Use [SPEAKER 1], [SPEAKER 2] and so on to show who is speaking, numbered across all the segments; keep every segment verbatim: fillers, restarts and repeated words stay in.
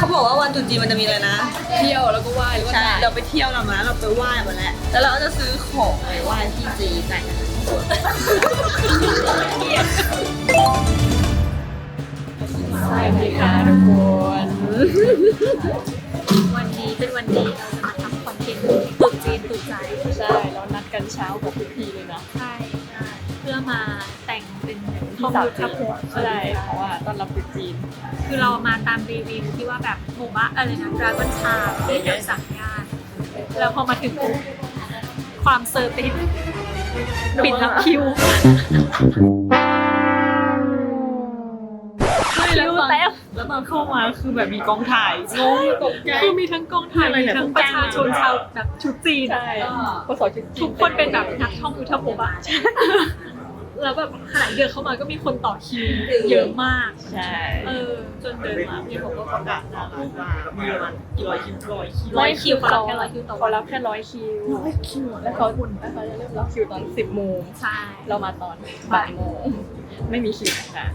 [SPEAKER 1] เขาบอกว่าวันตรุษจีนมันจะมีอะไรนะ
[SPEAKER 2] เที่ยวแล้วก็ไหว้แล้วก็
[SPEAKER 1] ใช่เราไปเที่ยวเรามาเราไปไหว้มาแล้วแล้วเราก็จะซื้อของไปไหว้ที่จีนกัน
[SPEAKER 2] สวัสดีค่ะทุกคน
[SPEAKER 3] วันนี้เป็นวันดีเราจะมาทำคอนเทนต์ตุดจีนตุดใจ
[SPEAKER 2] ใช่เรานัดกันเช้ากับทุกทีเลยนะ
[SPEAKER 3] ใช่ใช่เพื่อมาแต่งเป็นข้อ
[SPEAKER 2] สาว
[SPEAKER 3] มูล
[SPEAKER 2] จี
[SPEAKER 3] ทับ
[SPEAKER 2] น
[SPEAKER 3] หัว
[SPEAKER 2] ใช่เพราะว่าต้อนรับตุ๊จีน
[SPEAKER 3] คือเรามาตามรีวิวที่ว่าแบบหมู่บ้านอะไรนะดราก้อนชาที่แถวสามย่านแล้วพอมาถึงปุ๊บความเซอร์ติดปิดรับคิว
[SPEAKER 1] แล้วตอนแล้วตอนเข้ามาคือแบบมีกองถ่ายงงตกใจ
[SPEAKER 3] คือมีทั้งกองถ่ายมีทั้งประชาชนชาวแบบชุดจีน
[SPEAKER 2] ใช่พอสอนชุดจีน
[SPEAKER 3] ทุกคนเป็นแบบนักท่องยุทธภพอะแล้วแบบขณะเดินเข้ามาก็มีคนต่อคิวเยอะมาก
[SPEAKER 2] ใช่
[SPEAKER 3] เออจนเดินมาพี่ผมก็ประกาศนะ
[SPEAKER 1] มีประมาณกี่ร้อยคิวร้อยคิว
[SPEAKER 3] ร้อยคิวเขารับแค่ร้อยคิวต่อ
[SPEAKER 2] เขา
[SPEAKER 3] วัน
[SPEAKER 2] รับแค่ร้อยคิวร้อยคิวแล้วเขาแล้วเขาจะเริ่มรับคิวตอนสิบโมง
[SPEAKER 3] ใช่
[SPEAKER 2] เรามาตอนบ่ายโมงไม่มีคิวค่ะ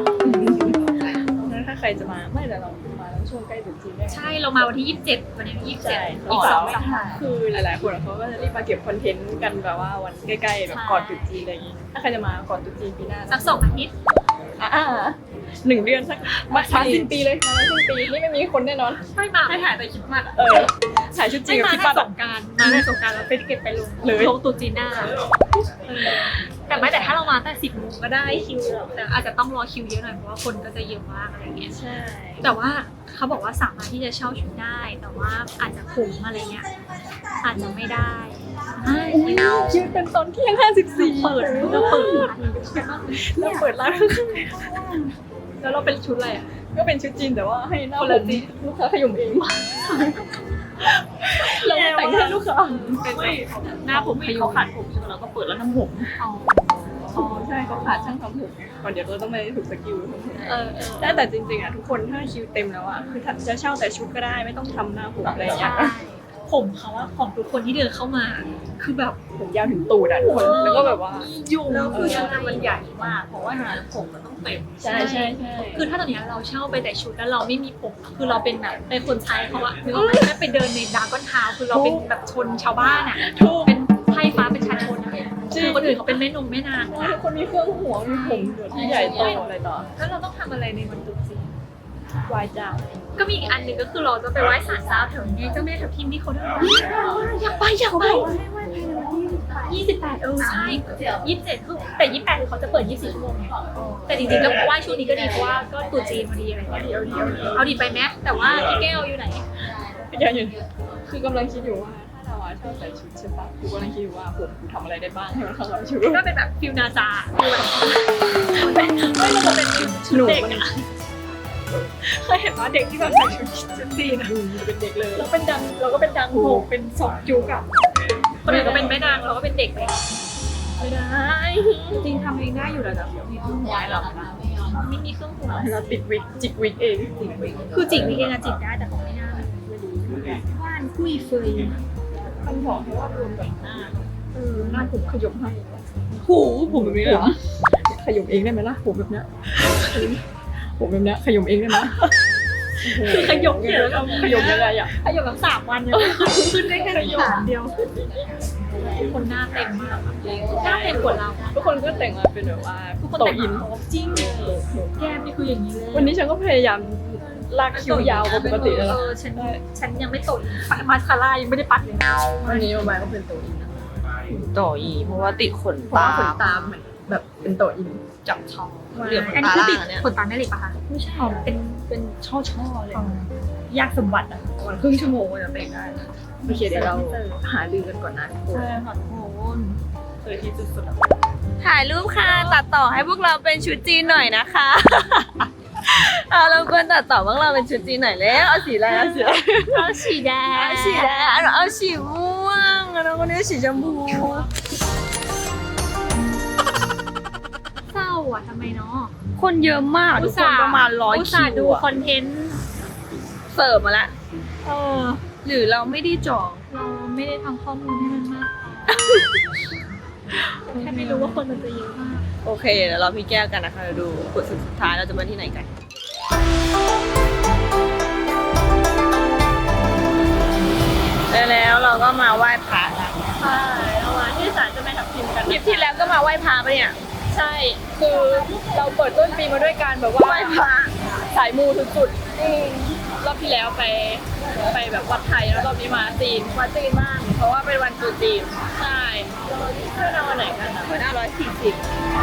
[SPEAKER 2] ถ้าใครจะมาไม่แต่เรามาแล้วช่วงใกล้ตรุษจีนได้
[SPEAKER 3] ใช่เรามาวันที่ยี่สิบเจ็ดวันนี้ยี่สิบเจ็ด
[SPEAKER 2] ใช่
[SPEAKER 3] อีกสองสัปดาห์
[SPEAKER 2] คือหลายๆคนเขาก็จะรีบมาเก็บคอนเทนต์กันแบบว่าวันใกล้ๆแบบก่อนตรุษจีนอะไรอย่างงี้ถ้าใครจะมาก่อนตรุษจีนปีหน้า
[SPEAKER 3] สักสองอาทิตย์
[SPEAKER 2] อ่าหนึ่งเดือนสักมาช้าสิ้นปีเลยมาสิ้นปีนี่ไม่มีคนแน่นอน
[SPEAKER 3] ไม่มาให้ถ่ายแต่คลิปมัด
[SPEAKER 2] เออถ่ายชุดจีนกับ
[SPEAKER 3] มา
[SPEAKER 2] คิด
[SPEAKER 3] ให้
[SPEAKER 2] บ้าน
[SPEAKER 3] สงกรารมาให้สงกรารแล้วไปเก็บไปลง
[SPEAKER 2] เลย
[SPEAKER 3] ลงตุจีนหน้าเออแต่ไม่แต่ถ้าเรามาแต่สิบโมงก็ได้คิวแต่อาจจะต้องรอคิวเยอะหน่อยเพราะว่าคนก็จะเยอะมากอะไรเงี้ย
[SPEAKER 2] ใช่
[SPEAKER 3] แต่ว่าเขาบอกว่าสามารถที่จะเช่าชุดได้ แต่ว่าอาจจะคุ้มอะไรเงี้ยอาจจะไม่ได้ใช่
[SPEAKER 2] คิวเป็นตอนเที่ยงห้าสิบสี่
[SPEAKER 3] เปิดเราเปิดร้าน
[SPEAKER 2] เราเปิดร้าน
[SPEAKER 3] แล้วเราเป็นชุดอะไรอ่ะ
[SPEAKER 2] ก็เป็นชุดจีนแต่ว่าให้หน้า
[SPEAKER 3] คน
[SPEAKER 2] ผ
[SPEAKER 3] ละ
[SPEAKER 2] ม
[SPEAKER 3] จีน
[SPEAKER 2] ลูกค้าขยมเองเราไม่แต่งให้ลูกค้า
[SPEAKER 3] เป็นแบบหน้าผม
[SPEAKER 1] ไม่
[SPEAKER 3] พยุ
[SPEAKER 1] เขา
[SPEAKER 3] ง
[SPEAKER 1] ขาดผมใช่ไหมเราก็เปิดแล้วน้ำผม
[SPEAKER 3] อ๋อ
[SPEAKER 2] อ๋อใช่เขาขาดช่างทำผมก่อนเดี๋ยวเราต้องไปฝึกสกิลทำผม
[SPEAKER 3] เออเออ
[SPEAKER 2] แต่แต่จริงๆอ่ะทุกคนถ้าคิวเต็มแล้วอ่ะคือจะเช่าแต่ชุดก็ได้ไม่ต้องทำหน้าผมอะไรอย่างเงี้
[SPEAKER 3] ใช่
[SPEAKER 2] ย
[SPEAKER 3] ผมเขาว่าของทุกคนที่เดินเข้ามา คือแบบ
[SPEAKER 2] ผมยาวถึงตูดอ่ะทุกคนแล้วก็แบบว่า
[SPEAKER 3] ยุ่ง
[SPEAKER 1] แล้วคือ
[SPEAKER 3] ยั
[SPEAKER 1] ยัง ง
[SPEAKER 3] ไง
[SPEAKER 1] ไงมันใหญ่มาก เพราะว่าผมมันต้องเต็ม
[SPEAKER 2] ใช่ใช่ใช่
[SPEAKER 3] คือถ้าตอนเนี้ยเราเช่าไปแต่ชุดแล้วเราไม่มีผมคือเราเป็นแบบเป็นคนใช้เขาอะคือเราไม่ได้ไปเดินในดราก้อนทาวน์คือเราเป็นแบบชนชาวบ้านอะ
[SPEAKER 2] ถูก
[SPEAKER 3] เป็นไพร่ฟ้าเป็นชาชนอะคือคนอื่นเขาเป็นแม่นงแม่นาง
[SPEAKER 2] ว่าทุกคนมีเครื่องหัวมีผมที่ใหญ่โตอะไรต่อ
[SPEAKER 3] แล้วเราต้องทำอะไรในวันตรุษจีน
[SPEAKER 2] วายจ้า ก็
[SPEAKER 3] ก็มีอีกอันหนึ่งก็คือเราจะไปไหว้ศาลเจ้าแถวนี้เจ้าแม่ทับทิมที่เขาเดินอยากไปอยากไปยี่สิบแปดเออใช่ยี่สิบเจ็ดคือแต่ยี่สิบแปดคือเขาจะเปิดยี่สิบสี่ชั่วโมงไงแต่จริงๆก็ไหว้ช่วงนี้ก็ดีเพราะว่าก็ตรุษจีนพอดีอะไรเงี้ยเอาดีไปไหมแต่ว่าพี่แก้วอยู่ไหน
[SPEAKER 2] ยังอยู่คือกำลังคิดอยู่ว่าถ้าเราชอบใส่ชุดใช่ปะกูกำลังคิดอยู่ว่าผมกูทำอะไรได้บ้างให้มันเข้ากับชุด
[SPEAKER 3] ก็เป็นแบบฟิลนาจาคือแบบไม่เราจะเป็นชุดเด็กอะเคยเห็นว่าเด็กที่แบบใส่ชุดชุดจีนอะ
[SPEAKER 2] เป็นเด็กเลย
[SPEAKER 3] เราเป็นดังเราก็เป็นดังโหเป็นสองจุกอะคนอื่นก็เป็นแม่นางเราก็เป็นเด็กเลยไม่ได้
[SPEAKER 1] จริงทำเองได้อยู่แล้วแต่มีเครื่องหัวให้เรานะ
[SPEAKER 3] ไม่มีเครื่องหัว
[SPEAKER 2] เราติดวิกจิกวิกเอง
[SPEAKER 3] คือจิกวิกเองอะจิกได้แต่เขาไม่น่าแบบว่านคุยเฟย
[SPEAKER 2] มันบอกให้ว่ารวมกับหน้าเออหน้าผมขยมให้
[SPEAKER 1] หูผมแบบนี้เหรอ
[SPEAKER 2] ขยมเองได้ไหมล่ะผมแบบเนี้ยผมแบบเนี้ยขยมเองได้ไหม
[SPEAKER 3] คือขยมเนี่ยแล้วก็
[SPEAKER 2] ขยมยังไงอ่ะ
[SPEAKER 3] ขยมแบบสามวันยังขึ้นได้แค่สามเดียวคนหน้าเต็มมากหน้าเต็มกว่าเรา
[SPEAKER 2] ทุกคนก็แต่งมาเป็นแบบว่า
[SPEAKER 3] ทุกคน
[SPEAKER 2] โต
[SPEAKER 3] แต่ง
[SPEAKER 2] อิน
[SPEAKER 3] จริงแก้มนี่คืออย่างนี้เลย
[SPEAKER 2] วันนี้ฉันก็พยายามลากคิ้วยาวกว่าปกติแล้ว
[SPEAKER 3] เอ
[SPEAKER 2] ล่ะ
[SPEAKER 3] อฉันฉันยังไม่ตดมาสคาร่ายังไม่ได้ปัดเลย
[SPEAKER 2] วันนี้มาก็เป็นโตอิน
[SPEAKER 1] ต่ออีเพราะว่าติดขน
[SPEAKER 2] เพราะ
[SPEAKER 1] ตา
[SPEAKER 2] ว่าขนตาเหมือนแบบเป็นโตอิน
[SPEAKER 1] จับช่องเหลือขน
[SPEAKER 3] อันนี้
[SPEAKER 1] ตา
[SPEAKER 3] คือ
[SPEAKER 1] ล่า
[SPEAKER 3] ติด
[SPEAKER 1] งเนี่ย
[SPEAKER 3] ขนตาแม่เหล็กปะคะไม่ใช่เป็นเป็นช่อช่อๆเลย
[SPEAKER 2] ยากสมบัติอ่ะประมาณครึ่งชั่วโมงก็จะแต่งได้โอเคเดี๋ยวเราหาลือกันก่อนนะทุกคน
[SPEAKER 3] ใช่ค่ะทุกคน
[SPEAKER 2] เคยที่สุดๆอะ
[SPEAKER 1] ถ่ายรูปค่ะตัดต่อให้พวกเราเป็นชุดจีนหน่อยนะคะ เอาเราควรตัดต่อพวกเราเป็นชุดจีนหน่อยแล้วเอาสีอะไรเอาสีอะไร
[SPEAKER 3] เอาสีแดง
[SPEAKER 1] เอาสีแดงเอาเอาสีม่วงแล้วก็เนี่ยสีชมพู
[SPEAKER 3] เศร้าอ่ะทำไมเนาะ
[SPEAKER 1] คนเยอะมากทุกคนประมาณร้อย
[SPEAKER 3] อุต
[SPEAKER 1] คิ
[SPEAKER 3] ส่าห์
[SPEAKER 1] ว
[SPEAKER 3] ดู
[SPEAKER 1] อะ
[SPEAKER 3] คอนเทนต์
[SPEAKER 1] เสิร์ฟมาละ
[SPEAKER 3] เออ
[SPEAKER 1] หรือเราไม่ได้จอง
[SPEAKER 3] เราไม่ได้ทำข้อมูลให้มันมากพอแค่ไม่รู้ว่าคนมันจะเยอะมาก
[SPEAKER 1] โอเคเดี๋ยวเราพี่แก้วกันนะคะเดี๋ยวดูบทสุดท้ายเราจะมาที่ไหนกันก็มาไหว้พระนะ
[SPEAKER 3] ใช่เรามาที่ศาลเจ้าแม่ทับทิมกัน
[SPEAKER 1] ทริปที่แล้วก็มาไหว้พระปะเนี่ย
[SPEAKER 2] ใช่ คือเราเปิดต้นปีมาด้วยการแบบว่า
[SPEAKER 1] ไหว้พระ
[SPEAKER 2] สายมูสุดๆรอบที่แล้วไปไปแบบวัดไทยแล้วรอบนี้มาจีน
[SPEAKER 1] วัดจีนบ้างเพราะว่าเป็นวันตรุษจีน
[SPEAKER 2] ใช่
[SPEAKER 1] เพื่อนเอาวันไหนกันนะวันห้าร้อยสี่สิบ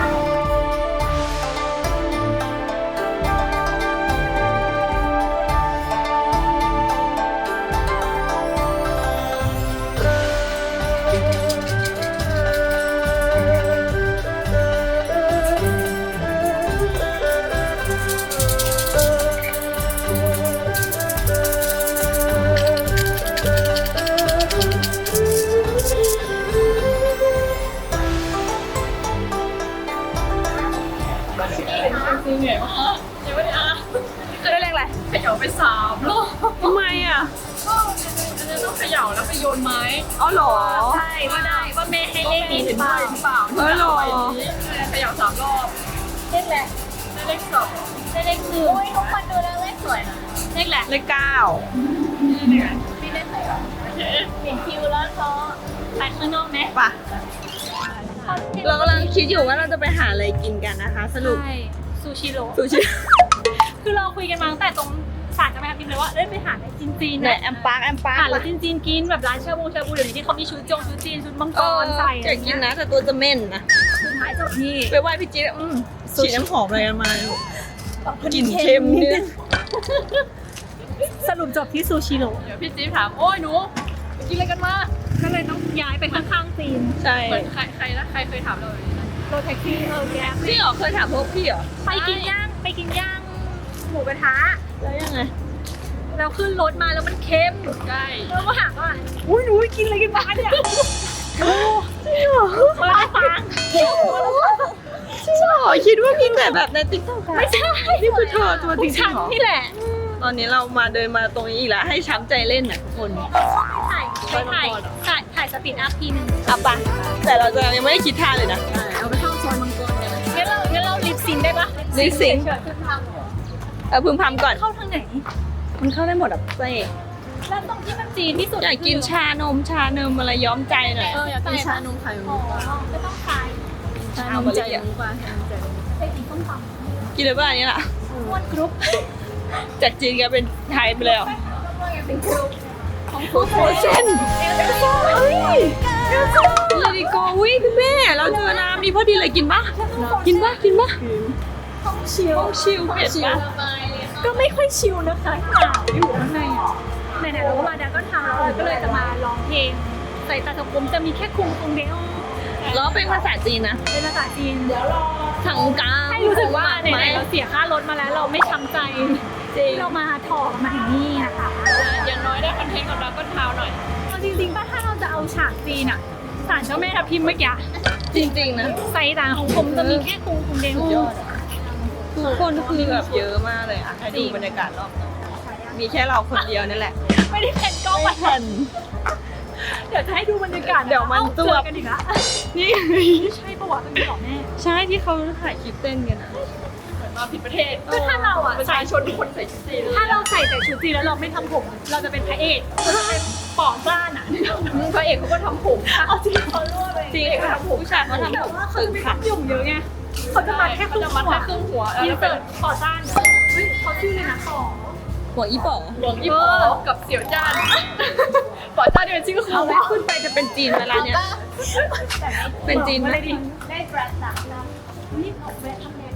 [SPEAKER 2] ซื้อเหนื่อยมากเดี๋ยววันนี้อ่ะ
[SPEAKER 1] จะได้เลขอะไร
[SPEAKER 2] เขย่าไปสามรอบ
[SPEAKER 1] ทำไมอ่ะ
[SPEAKER 2] ก็อันนั้นต้องเขย่าแล้วไปโยนไม้
[SPEAKER 1] อ๋อเหรอ
[SPEAKER 3] ใช่ว่าได้ว่าแม่ให้เลขนี้หรือเปล่า
[SPEAKER 2] หรือเปล่า
[SPEAKER 1] เออเหรอ
[SPEAKER 2] เขย่าสามรอบ
[SPEAKER 3] เลขแหละ
[SPEAKER 2] ได้เลขสอง
[SPEAKER 3] ได้เลขหนึ่งโอ้ยทุกคนดูแล้วเลขสวยนะเลขแหละ
[SPEAKER 1] เลขเก้า
[SPEAKER 3] มีเลขไหนอ่ะ
[SPEAKER 2] โอเค
[SPEAKER 3] เห็นคิวแล้วท้อไปข้างนอกไหม
[SPEAKER 1] ป่ะเรากำลังคิดอยู่ว่าเราจะไปหาอะไรกินกันนะคะ สรุป
[SPEAKER 3] ใช่ซูชิโร่
[SPEAKER 1] ซูชิ
[SPEAKER 3] คือเราคุยกันมาตั้งแต่ตรงศาลเจ้าแม่ทับทิมเลยว่าเอ้ยไปหาอะไรจีนๆ
[SPEAKER 1] ไหน
[SPEAKER 3] นะ
[SPEAKER 1] แอมปาร์กแอมปาร์ก
[SPEAKER 3] หาแล้วจีนๆกินแบบร้านชาบูชาบูเดี๋ยวนี้ที่เขามีชุดจงชุดจีนชุดมังก
[SPEAKER 1] เออ
[SPEAKER 3] รใส่
[SPEAKER 1] อยากกินนะแต่ตัวจะเหม็นนะ
[SPEAKER 3] สุดท้ายจบที่
[SPEAKER 1] ไปไหว้พี่จิ๊ดอืมฉีดน้ำหอมอะไรกันมาลูกกลิ่นเค็มนิด
[SPEAKER 3] สรุปจบที่ซูชิโร่
[SPEAKER 2] เดี๋ยวพี่จี๊บถาม โอ้ยหนูไปกินอะไรกันมา
[SPEAKER 3] ก็เลยต้องย้ายไปข้างๆจีน
[SPEAKER 1] ใช่
[SPEAKER 2] เหมือนใครใครนะใครเคยถามเราเลยนะ
[SPEAKER 3] รถแท็กซี่เออแก๊ป
[SPEAKER 1] พี่เหรอเคยถามพวกพี่เหรอ
[SPEAKER 3] ไปกินย่างไปกินย่างหมูกระทะ
[SPEAKER 1] แล้วยังไง
[SPEAKER 3] แล้วขึ้นรถมาแล้วมันเค็ม
[SPEAKER 2] ใช่
[SPEAKER 3] แล้วก็ถามว่าอุ้ยหนูกินอะไรกันมาเนี่ยโอ้จริงเหรอมาได้ฟัง
[SPEAKER 1] จริงเหรอคิดว่ากินแต่แบบในติ๊กต็อก
[SPEAKER 3] ไม่ใช่
[SPEAKER 1] นี่คือเธอตัวจริง
[SPEAKER 3] ฉัน
[SPEAKER 1] เหรอ
[SPEAKER 3] นี่แหละ
[SPEAKER 1] ตอนนี้เรามาเดินมาตรงนี้อีกแล้วให้ช้ำใจเล่นนะทุกคน
[SPEAKER 3] ถ่ายไปถ่ายถ่ายถ่ายสปีดอัพทีหนึง
[SPEAKER 1] อ่ะปะแต่เราจะยังไม่ได้คิดท่าเลยนะ
[SPEAKER 2] เอาไปเข้าซอยมังกรกันนะ
[SPEAKER 3] งั้นเรางั้นเราลิปซิงค์ได้ปะ
[SPEAKER 1] ลิปซิงค์
[SPEAKER 3] เฉยๆคือท
[SPEAKER 1] เออพึมพำก่อน
[SPEAKER 3] ำเข้าทางไหน
[SPEAKER 1] มันเข้าได้หมดอ่ะเซ่
[SPEAKER 3] แล้วตรงที่มันจีนที่สุด
[SPEAKER 1] อยากกินชานมชานมอะไรย้อมใจหน่อย
[SPEAKER 2] เอออยากกินชานมไข่
[SPEAKER 3] อ๋
[SPEAKER 2] มุ
[SPEAKER 3] อก
[SPEAKER 2] ปะ
[SPEAKER 3] ก็ต้องทาย
[SPEAKER 2] ชานมใจมุกปะชานมใจมุก
[SPEAKER 3] ไปกินส้มต
[SPEAKER 1] กินเลยป่ะอันนี้ล่ะ
[SPEAKER 3] ำม้วนกรุ๊ป
[SPEAKER 1] จากจีนกลายเป็นไทยไปเลยเหรอ
[SPEAKER 3] เป็นกรุ๊ป
[SPEAKER 2] ของฟูด
[SPEAKER 1] โอเช่นเฮ้ยเลดิโกวิคุณแม่เราเจอน้ำนี่พอดีเลยกินปะกินปะกินปะ
[SPEAKER 3] ห้องชิล
[SPEAKER 1] ห้องชิลเผ็ดปะ
[SPEAKER 3] ก็ไม่ค่อยชิลนะคะหนาวอยู่ข้างในอ่ะไหนๆเราก็มาดักก็ทำเราก็เลยจะมาร้องเพลงใส่ตาตะกุมจะมีแค่คุงคุงเดียว
[SPEAKER 1] แล้วเป็นภาษาจีนนะ
[SPEAKER 3] เป็นภาษาจีน
[SPEAKER 1] ถังกา
[SPEAKER 3] ให้รู้สึกว่าไห
[SPEAKER 1] ไหม
[SPEAKER 3] นๆเราเสียค่ารถมาแล้วเราไม่ช้ำใจ
[SPEAKER 1] จริง
[SPEAKER 3] ที่เรามาถอมาถึงนี่นะคะ
[SPEAKER 2] อย่างน้อยได้คอนเทนต์กับเราก็เท้าหน่อย
[SPEAKER 3] เอาจริงๆป่ะถ้าเราจะเอาฉากจีนอ่ะศาลเจ้าแม่ทับทิมเมื่อกี้
[SPEAKER 1] จริงๆนะ
[SPEAKER 3] ใส่ตาของผมจะมีแค่คุงคุงเดียว
[SPEAKER 1] สุดยอดอะทุกคนคือแบบเยอะมากเลยอ่ะให้ดูบรรยากาศรอบนอกมีแค่เราคนเดียวนั่นแหละ
[SPEAKER 3] ไม่ได้แผ่นกล้อง
[SPEAKER 1] ไม่
[SPEAKER 3] มา
[SPEAKER 1] ทัน
[SPEAKER 3] เดี๋ยวจะให้ดูบรรยากาศ
[SPEAKER 1] เดี๋ยวมัน
[SPEAKER 3] อา
[SPEAKER 1] จวบ
[SPEAKER 3] เจอกันอีกละ
[SPEAKER 1] นี่
[SPEAKER 3] ใช่ปะวะเป็นหรอแม่
[SPEAKER 1] ใช่ที่เขาถ่ายคลิปเต้นกันอ่ะ
[SPEAKER 2] เหมือนมาผิดประเทศ
[SPEAKER 3] ก็ถ้าเราอ่ะ
[SPEAKER 2] ประ
[SPEAKER 3] ใส่
[SPEAKER 2] ชาชนทุกคนใส่ชุดจีน
[SPEAKER 3] ถ้าเราใส่แต่ชุดจีนแล้วเราไม่ทำผม เราจะเป็นพระเอกเราจะเป็นปอบบ้านอ่ะ
[SPEAKER 2] พระเอกเขาก็ทำผม
[SPEAKER 3] เอาจริงเขารั่วเลย
[SPEAKER 1] จริงค่ะผู้ชายเขาทำ
[SPEAKER 3] แต่
[SPEAKER 1] ผม
[SPEAKER 3] ว่าเขา
[SPEAKER 1] ตึ
[SPEAKER 3] จะ
[SPEAKER 1] ง
[SPEAKER 3] ไม่
[SPEAKER 1] ค่ะ
[SPEAKER 3] ทำหยุ่มเยอะไงเขาจะมาแค่ครึ่ง
[SPEAKER 2] จะ
[SPEAKER 3] หั
[SPEAKER 2] มัด
[SPEAKER 3] ว
[SPEAKER 2] แค่ครึ่งหัว
[SPEAKER 3] อิน
[SPEAKER 2] แล้ว
[SPEAKER 3] เสิ
[SPEAKER 2] เป็
[SPEAKER 3] ร์
[SPEAKER 2] น
[SPEAKER 3] ตขอต้านเฮ้ยเขาชื่อเลยนะต่อ
[SPEAKER 1] หัวอีป๋อ
[SPEAKER 2] หลวงยี่ป๋อกับเสี่ยวจ้านป๋อจ้านนี่เป็นชื่อ
[SPEAKER 1] เอา
[SPEAKER 2] เขา
[SPEAKER 1] ไหมขึ้นไปจะเป็นจีนเวลาเนี้ย เป็นจีนไหม
[SPEAKER 3] อะไรดิได้แบรนด์หนักนะนี่ออกแบรนด์ทำแบรนด์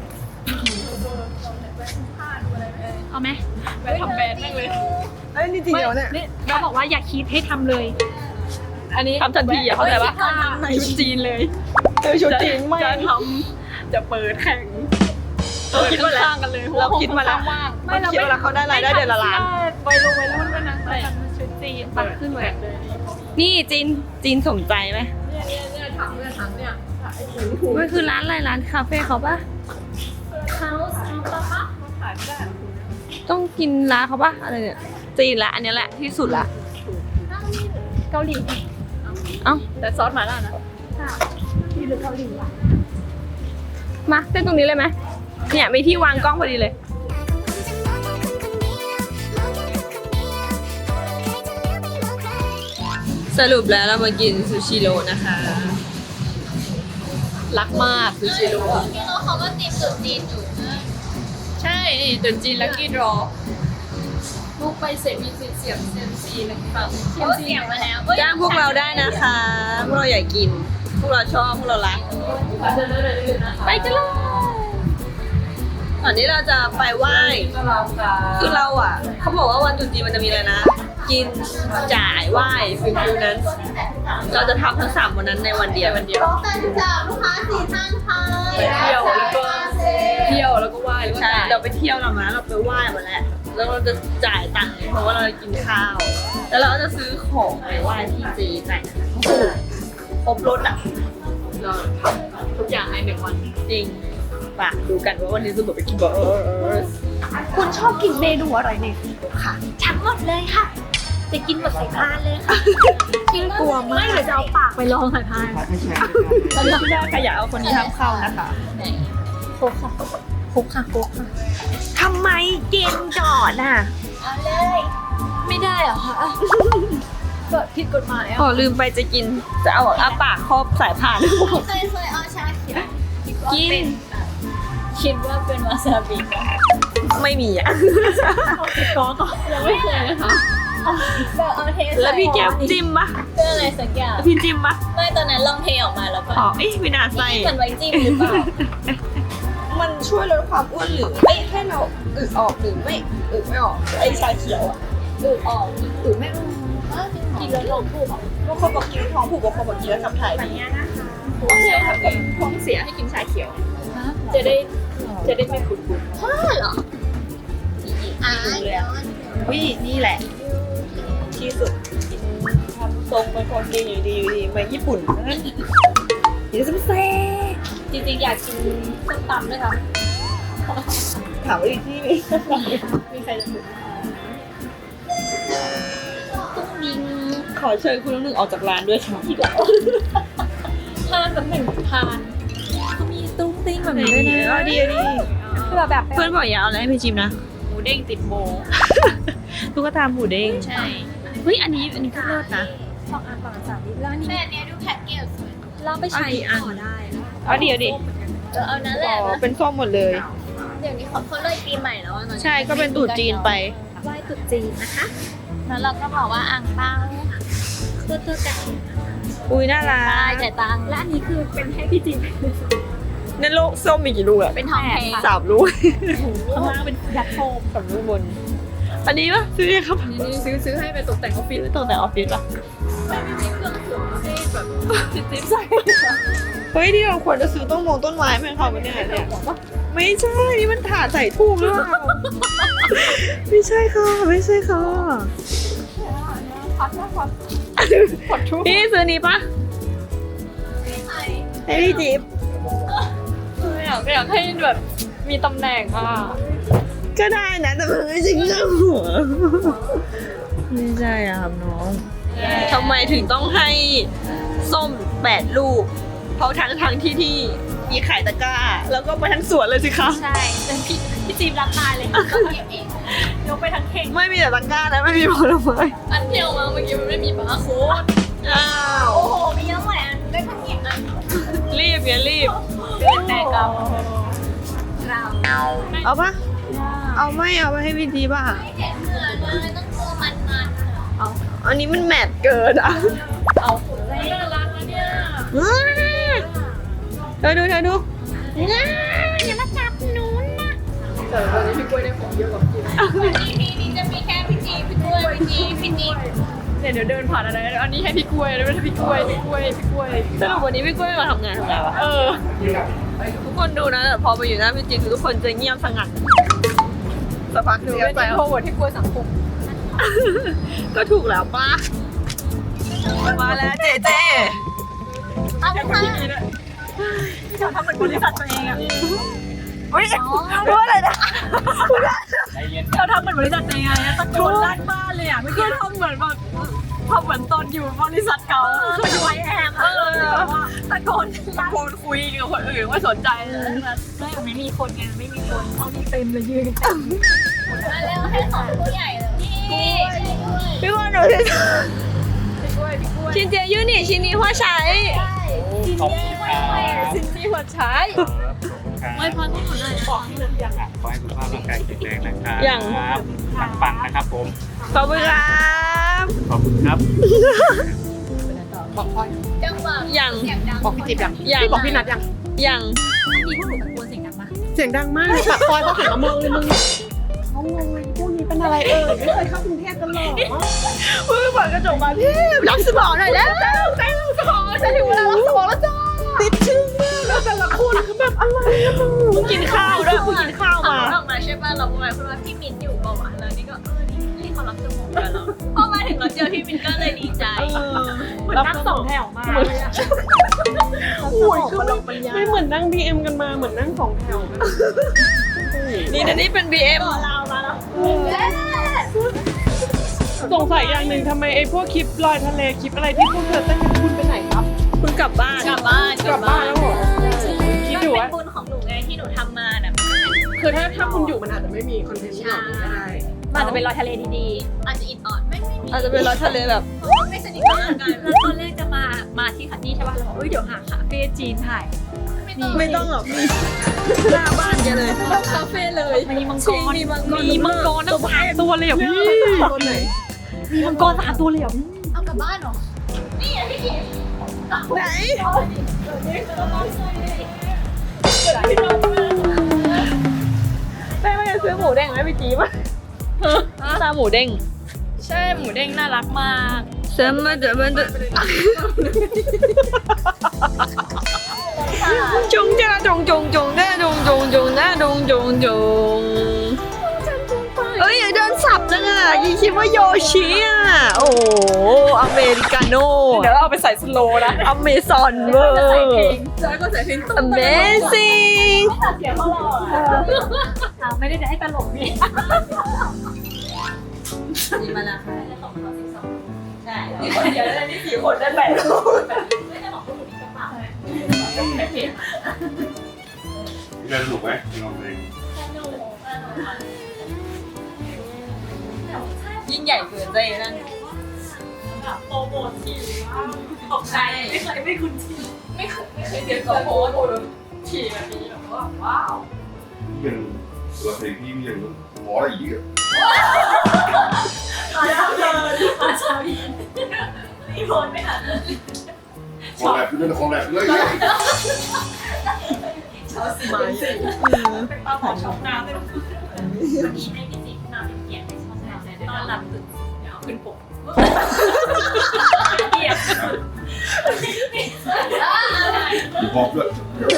[SPEAKER 3] เอาไหม
[SPEAKER 2] ไปทำแบรนด์แม่งเลย
[SPEAKER 1] เอ้ยนี่จริงเหรอเนี่ย
[SPEAKER 3] นี่เขาบอกว่าอย่าคิดให้ทำเลย
[SPEAKER 2] อันนี้
[SPEAKER 1] ทำทันทีอ่ะเข้าใจปะ
[SPEAKER 2] ชุดจีนเลย
[SPEAKER 1] เออชุดจีนไม่
[SPEAKER 2] จะทำจะเปิดแข่งเปิดข้างๆกันเลย
[SPEAKER 1] เราคิดมาแล้ว
[SPEAKER 2] ว่าง
[SPEAKER 1] ไม่เราคิดว่าเขาได้รายได้เดือนละล้าน
[SPEAKER 2] ไปลงไปแล้วมันก็นะ
[SPEAKER 3] ชุดจีน
[SPEAKER 2] ปัดขึ้นเลย
[SPEAKER 1] นี่จีนจีนสมใจไหม
[SPEAKER 2] เนี่ยเนี่ยเนี่ยถังเนี่ยถังเนี่ยไอ้ถุงถุง
[SPEAKER 1] มันคือร้านอะไรร้านคาเฟ่เขาปะ
[SPEAKER 3] เขาเอาปะปะ
[SPEAKER 2] ขายไม่ได้
[SPEAKER 1] ต้องกินร้านเขาปะอะไรเนี่ยจีนละอันเนี้ยแหละที่สุดละ
[SPEAKER 3] เกาหลี
[SPEAKER 1] เอ้า
[SPEAKER 2] แต่ซอสหมาล่านะ
[SPEAKER 3] ค่ะนี่หรือเกาหลีวะ
[SPEAKER 1] มาเต้นตรงนี้เลยไหมเนี่ยมีที่วางกล้องพอดีเลยสรุปแล้วเรามากินซูชิโร่นะคะ
[SPEAKER 2] รักมากซูชิโร่
[SPEAKER 3] พี่โน้เขาก็ตีมสุดจีนอยู่
[SPEAKER 2] ใช่ตุนจีนลัคกี้ดรอลูกไปเสร็จมีสิทธิ์เสียงเซยมซีนะครับ
[SPEAKER 3] เขาเสียงมาแล้ว
[SPEAKER 1] จ้างพวกเราได้นะคะ พวกเราอยากกิน พวกเราชอบ พวกเรารัก ไปกันเลยก่อนที่เราจะไปไหว้ คือเราอ่ะ เขาบอกว่าวันตรุษจีนมันจะมีอะไรนะ กินจ่ายไหว้ฟิลฟิลนั้น เราจะทำทั้งสามวันนั้นในวันเดียววันเดียว
[SPEAKER 3] กันจากลูกค้าสี่ท่านค่ะ
[SPEAKER 2] ไปเที่ยวแล้วก็เที่ยวแล้วก็ไหว้แล้วก็
[SPEAKER 1] ใช่
[SPEAKER 2] จ่าย
[SPEAKER 1] เราไปเที่ยวเรามาเราไปไหว้มาแล้ว แล้วเราจะจ่ายตังค์เพราะว่าเราจะกินข้าว แล้วเราก็จะซื้อของไปไหว้ที่เจจ่ายครบรถอ่ะ
[SPEAKER 2] เราทำทุกอย่างในหนึ่งวัน
[SPEAKER 1] จริงปะดูกันว่าวันนี้จะแบบไปกินเบอร์
[SPEAKER 3] คุณชอบกินเมนูอะไรเนี่ยค่ะทั้งหมดเลยค่ะ จะกินหมดสายพานเลยค่ะกินกลัวมากไม่เดี๋ยวจะเอาปากไปลองสายพาน
[SPEAKER 1] ตอนนี้พี่ได้ขยะเอาคนนี้ห้ามเข้านะคะ
[SPEAKER 3] โคกค่ะโคกค่ะโคกค่ะทำไมกินก่อนอ่ะเอาเลยไม่ได้เหรอคะเกิดผิดกฎหมาย
[SPEAKER 1] พ
[SPEAKER 3] อ่ะ
[SPEAKER 1] อลืมไปจะกิน จะเอาอาปากครอบสายพาน
[SPEAKER 3] เคยเคยเอาชาเขียว
[SPEAKER 1] กิน
[SPEAKER 3] คิดว่าเป็นวาซาบิ
[SPEAKER 1] ไม่มีอ่ะ
[SPEAKER 3] ก็ก็ยังไม่เคยนะคะแบบเอาเท
[SPEAKER 1] แล้วพี่แก้มจิ้มปะ
[SPEAKER 3] เพื่ออะไรสักอย่าง
[SPEAKER 1] พี่จิ้มปะ
[SPEAKER 3] ไม่ตอนนั้นลองเทออกมาแล้วก็
[SPEAKER 1] อ๋อเอ๊ะไม่น่าใส่
[SPEAKER 3] เหมือนไว้จิ้มหรือเปล่า
[SPEAKER 1] มันช่วยลดความอ้วนหรือไม่แค่เราอึออกหรือไม่อึไม่ออกไอชาเขียวอ่ะ
[SPEAKER 3] อือออกอือไม่อือกินแล้วลงผูกอ่ะ
[SPEAKER 1] บางคนบอกกินท้องผูกบางคนบอกกินแล้วขับถ่ายดี
[SPEAKER 2] ท้องเสียครับท้องเสียให้กินชาเขียว จะได้จะได้ไม่ขุ่นขุ่น
[SPEAKER 3] พ่อเหรออ่าเดี๋ยว
[SPEAKER 1] วินี่แหละ ที่สุดกินทำทรงเป็นคนดีอยู่ดีอยู่ดีมาญี่ปุ่นนะกินซัมเซ่
[SPEAKER 3] จริงๆอยากกินส้มตำด้วยค่ะ
[SPEAKER 1] ถามว่าอีกที่นี่
[SPEAKER 3] มีใครจะถูกตุ้งดิง
[SPEAKER 1] ขอเชิญคุณน้องหนึ่งออกจากร้านด้วยค่ะ
[SPEAKER 3] ทานแบบหนึ่งทานเขามีตุ้งติ้งแบบนี้ด้วยนะ
[SPEAKER 1] อ๋อดีดี
[SPEAKER 3] คือแบบแบบ
[SPEAKER 1] เพื่อนบอกอย่าเอาอะไรให้พี่จิมนะ
[SPEAKER 2] หมูเด้งติดโบ
[SPEAKER 1] ตุ๊กตาหมูเด้ง
[SPEAKER 2] ใช่
[SPEAKER 1] เฮ้ยอันนี้อันนี้ก็เลิศนะ
[SPEAKER 3] สองอันต่อสามลิตรแล้วอันนี้
[SPEAKER 4] แต่อันเนี้ยดูแพ็กเกจสวย
[SPEAKER 3] เราไปใช้ต่อได้
[SPEAKER 1] เอาดีเอาดี
[SPEAKER 4] เออเอานั่นแหละ
[SPEAKER 1] อ๋อ
[SPEAKER 4] นะ
[SPEAKER 1] เป็นส้มหมดเลย
[SPEAKER 4] เดี๋ยวนี้เขาเขาเลยปีใหม่แล้วอะตอนนี้
[SPEAKER 1] ใช่ก็เป็นตู่จีนไป
[SPEAKER 3] ไหว้ตรุ๊จีนนะคะ
[SPEAKER 4] แล้วเราก็บอกว่าอ่างเปาตัวตัวไก่
[SPEAKER 1] อุ้ยน่ารั
[SPEAKER 4] ใช่
[SPEAKER 1] ก
[SPEAKER 4] จ่ายตังค์
[SPEAKER 3] และอันนี้คือเป็นให้พี่จีน
[SPEAKER 1] ในโลกส้มมีกี่ลูกอะ
[SPEAKER 4] เป็นทองแพง
[SPEAKER 1] สามลูก
[SPEAKER 3] ข้างล่างเป็นยัดโฟม
[SPEAKER 1] สามลูกบน อันนี้ปะซื้อยังครับ
[SPEAKER 2] นี่ซื้อซื้อให้ไปตกแต่งออฟฟิศ
[SPEAKER 1] ซื้อตรงแต่ออฟฟิศปะ
[SPEAKER 2] ไม่มีเครื่องสูงให้แบบจิ๊บจิ๊บใส่
[SPEAKER 1] เฮ้ยที่เราควรจะซื้อต้นมงต้นไม้ไหมคะวันเนี้ยเนี่ยไม่ใช่ นี่มันถาดใส่ทูบหรือเปล่าไม่ใช่ค่ะ ไม่ใช่ค่ะ
[SPEAKER 2] พัดนะพัดขอทุก
[SPEAKER 1] พี่ซื้อนี้ปะให้พี่จิ๊บ
[SPEAKER 2] อยากอยากให้แบบมีตำแหน่งอ่ะ
[SPEAKER 1] ก็ได้นะแต่มันไม่ใช่เรื่องหัวไม่ใช่อะครับน้องทำไมถึงต้องให้ส้มแปดลูก เพราะทั้งทั้งที่ที่มีขายตะกร้า แล้วก็ไปทั้งสวนเลยสิคะ
[SPEAKER 3] ใช่เป็นพี่พี่จีนรับตายเลยก็เก็บเองยกไปทั้งเข่ง
[SPEAKER 1] ไม่มีแต่ตะกร้านะไม่มีผลไม้
[SPEAKER 2] อันเดียวมาเมื่อกี้มันไม่มีบาร์โค้ด
[SPEAKER 1] อ้าว
[SPEAKER 3] โอ้โหมีเยอะหมดอันได้ทั้งเข่งอัน
[SPEAKER 1] รีบอย่ารีบ
[SPEAKER 3] แต่กับ
[SPEAKER 1] เอาปะเอาไม่เอาไปให้พี่จีป่ะ
[SPEAKER 4] ไม่เห็นเหมือนเลยต้องตัวมันมันๆอะ
[SPEAKER 1] อันนี้มันแมทเกินอ่ะ
[SPEAKER 2] เอาน่ารักนะเนี่ย
[SPEAKER 1] เธอดูเธอดู
[SPEAKER 3] อย่ามาจับหนูนะ
[SPEAKER 2] แต่ตอนนี้พี่กล้วยได้ของเยอะกว่าพี่
[SPEAKER 4] นี่นี่จะมีแค่พี่จีพี่กล้วยพี่จีพี่จี
[SPEAKER 2] เนี่ยเดี๋ยวเดินผ่านอะไรอันนี้ให้พี่กล้วยแล้วไม่ใช่พี่กล้วยพี่กล้วยพี่กล้วย
[SPEAKER 1] สรุปวันนี้พี่กล้วยมาทำงานทำไงวะ
[SPEAKER 2] เออ
[SPEAKER 1] ทุกคนดูนะแต่พอมาอยู่หน้าพี่จีคือทุกคนจะเงียบสงัดสักพักห
[SPEAKER 2] ห
[SPEAKER 1] นึ่
[SPEAKER 2] นู
[SPEAKER 1] ง
[SPEAKER 2] เป็น
[SPEAKER 1] ใจ
[SPEAKER 2] อินโทรเวิร์ดที่กล้วยสังคม
[SPEAKER 1] ก็ถูกแล้วป้ามาแล้วเจเจ
[SPEAKER 4] เอาไปค่ะ
[SPEAKER 3] จะทำเหมือนบริษัทตัวเองอะ
[SPEAKER 1] เฮ้ยรู้อะไรนะ
[SPEAKER 3] เราทำเหมือนบริษัทตัวเองอะตะโกนลั่นบ้านเลยอะไม่คือทำเหมือนแบบทำเหมือนตอนอยู่บริษัทเก่าคืออยู่ไอแอมเออตะโกน
[SPEAKER 1] ตะโกนคุยกับคนอื่นไม่สนใจเลย
[SPEAKER 3] ไม่ไม่มีคนไงไม่มีคนเอานี่เต็มเลยยืน
[SPEAKER 4] มาเร็วให้ของผู้ใหญ่เลยนี่
[SPEAKER 1] พี่ว่าหนูจะ
[SPEAKER 2] พี่กล้วยพี่กล้วย
[SPEAKER 1] ชินเจียยูนี่ชินนี่หัวใช้
[SPEAKER 5] ขอบคุณครับ
[SPEAKER 2] ซินนี่หัวใช้
[SPEAKER 5] ครับขอบคุณครับ
[SPEAKER 3] ไว้พรให้หนูหน่อยนะ
[SPEAKER 2] บอกที่นั่นยัง
[SPEAKER 5] อ่ะขอให้สุขภาพร่างกายแข็งแรงนะครับ
[SPEAKER 1] อย่าง
[SPEAKER 5] ปังๆนะครับผม
[SPEAKER 1] ขอบคุณครับ
[SPEAKER 5] ขอบคุณครับ
[SPEAKER 2] บอกพ่อ
[SPEAKER 3] จังหวะ
[SPEAKER 1] อย่าง
[SPEAKER 3] เสียงดัง
[SPEAKER 2] บอกพี่จิ๊บยัง
[SPEAKER 1] ยัง
[SPEAKER 2] พี่บอกพี่นัทยัง
[SPEAKER 1] อย่าง
[SPEAKER 3] มีพวกหนูตะโกนเสียงดังปะ
[SPEAKER 2] เสียงดังมากปากซอยเขาหันมามองเลยมึงเขางงเลยพวกนี้เป็นอะไรเอ่ยไม่เคยเข้ากรุงเทพกันหรอ
[SPEAKER 1] มึงเปิดกระจกมาพี่รับสมองหน่อยแล้ว
[SPEAKER 2] ใจเราสมองจะถึงเวลาเราสมองแล้วจ้าติดชื่อมากแล้วแต่ละคนคือแบบอะไรอะมึง
[SPEAKER 1] มึงกินข้าวด้วยมึงกินข้าวมา
[SPEAKER 3] ออกมาใช่ป่ะเราบอกคุณว่าพี่มินอยู่เปล่าวะแล้วนี่ก็เออนี่นี่เขารับสมองกันแล้วพอมาถึงเราเจอพี่มินก็เลยดีใจเหมือนนั่งสองแถวมาเลยอะ
[SPEAKER 2] โอ้ยคือไม่ไม่เหมือนนั่งบีเอ็มกันมาเหมือนนั่งสองแถวกัน
[SPEAKER 1] นี่นะนี่เป็น บี เอ็ม
[SPEAKER 3] เรามาแล้ว
[SPEAKER 2] สงสัยอย่างหนึ่งทำไมไอ้พวกคลิปลอยทะเลคลิปอะไรที่พวกเธอเต้นกันคุณไปไหนครับ
[SPEAKER 1] เพิ่งกลับบ้าน
[SPEAKER 3] กลับบ้าน
[SPEAKER 2] กลับบ้านแล้วเหรอคิดอยู่
[SPEAKER 3] เป็
[SPEAKER 2] ว่าน
[SPEAKER 3] บุญของหนูไงที่หนูทำมาน่ะ
[SPEAKER 2] คือถ้าถ้าคุณอยู่มันอาจจะไม่มีคอนเทนต์ที่แบบนี้ก็ได้
[SPEAKER 3] มันจะเป็นรอยทะเลดีๆ อาจจะอิดออดไม่ไม่มี
[SPEAKER 1] อาจจะเป็นรถทะเลแบบ
[SPEAKER 3] ไม่สนิทกันแล้วตอนแรกจะมา มาที่คันนี่ใช่ป่ะเราบอกเอ้ยเดี๋ยวหาคาเฟ่จีนถ่าย
[SPEAKER 1] ไม่ต้องหรอกหน้าบ้านแกเลยคาเฟ่เลย
[SPEAKER 3] มีมังก
[SPEAKER 1] จริ
[SPEAKER 3] รง
[SPEAKER 1] มีมังกร
[SPEAKER 3] มีมังกรตั้งสามตัวเลยเหรอพี่
[SPEAKER 2] คนไหน
[SPEAKER 3] มีมังกรสามตัวเลยเหรอเอากลับบ้านเหรอ นี่อ่ะพี่กิ๊ฟ
[SPEAKER 1] ไหน ได้ไหมซื้อหมูเด้งไหมพี่จีบตาหมูเด้ง
[SPEAKER 3] ใช่หมูเด้งน่ารักมาก
[SPEAKER 1] เสริมมาเดี๋ยวมันจะจงจ้าจงจงจงได้จงจงจงนะจงจงจงเอ้ยอย่าเดินสับจังอ่ะยี่คิดว่าโยชิอ่ะโอ้อเมริกาโน่
[SPEAKER 2] เดี๋ยวเราเอาไปใส่สโลว์นะ
[SPEAKER 1] อเมซอนเวอร์
[SPEAKER 2] แล้วก็ใส่เพลง
[SPEAKER 1] Amazing
[SPEAKER 3] ไม่ได้จะให้ตลกนี่
[SPEAKER 1] นี่มาละค่ะใช่
[SPEAKER 2] นี่คนเดียวได้นี่สี่คนได้แปด
[SPEAKER 3] ไม่ได้บอกว่าหนูมีกระเป๋า
[SPEAKER 6] เล่นสนุกไหมลองเพลง
[SPEAKER 1] ยิ่งใหญ่เกินใจนั่น
[SPEAKER 3] โปรโมททีตกใจไม่เคยไม่คุ้นทีไม่เคยไม่เคยเห็น
[SPEAKER 2] โพสโพสขี่แบบนี้แบบว่าว้าว
[SPEAKER 6] พี่ยังตัวเพลงพี่พี่ยังร้องอะไรอีกอ่ะ
[SPEAKER 3] มาแล้วเลยมาชาวีรีโพสไม่ทัน
[SPEAKER 6] คอแลบด้วยนะคอแลบด้วย
[SPEAKER 3] ชอบสีเป็นปลาหมอช็อกน้ำเลยวันนี้ให้พี่จิ๊บมาเป็นเกียรติในช่องเราตอนหลับตื่นเดี๋ยวขึ้นปกเกียรติ
[SPEAKER 6] มีพร็อพด้วย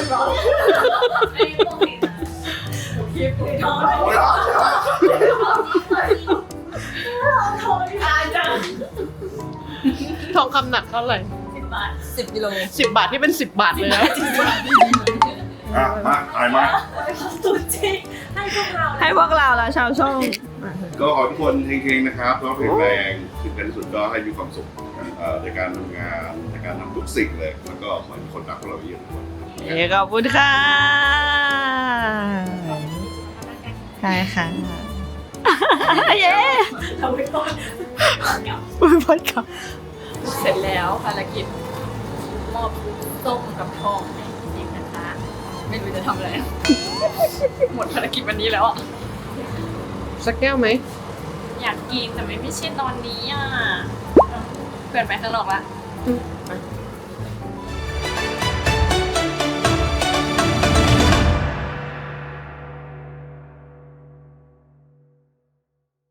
[SPEAKER 2] ทองคำหนักเท่าไหร่
[SPEAKER 1] สิบกิโล
[SPEAKER 2] สิบบาทที่เป็นสิบบาทเลยนะ
[SPEAKER 6] อ่ะมาถ่ายมา
[SPEAKER 3] สุดจริงให้พวกเรา
[SPEAKER 1] ให้พวกเราละชาวช่อง
[SPEAKER 6] ก็ขอทุกคนเฮงๆนะครับแล้วแข็งแรงถึงกันที่สุดก็ให้มีความสุขเอ่อในการทำงานในการทำทุกสิ่งเลยแล้วก็เหมือนคนรักพวกเราเยอะทุกคน
[SPEAKER 1] ขอบคุณค่ะใช่ค่ะเย้
[SPEAKER 3] ทำไปก่อน
[SPEAKER 1] อุ้ยพอดค่ะ
[SPEAKER 2] เสร็จแล้วภารกิจมอบส้มกับทองให้จริงนะคะ ไม่รู้จะทำอะไร หมดภารกิจวันนี้แล้วอ่ะสักแก้วไหม
[SPEAKER 3] อยากกินแต่ไม่ไม่ใช่ตอนนี้อ่ะเพื่อนไปข้างนอกละ
[SPEAKER 2] อืมไป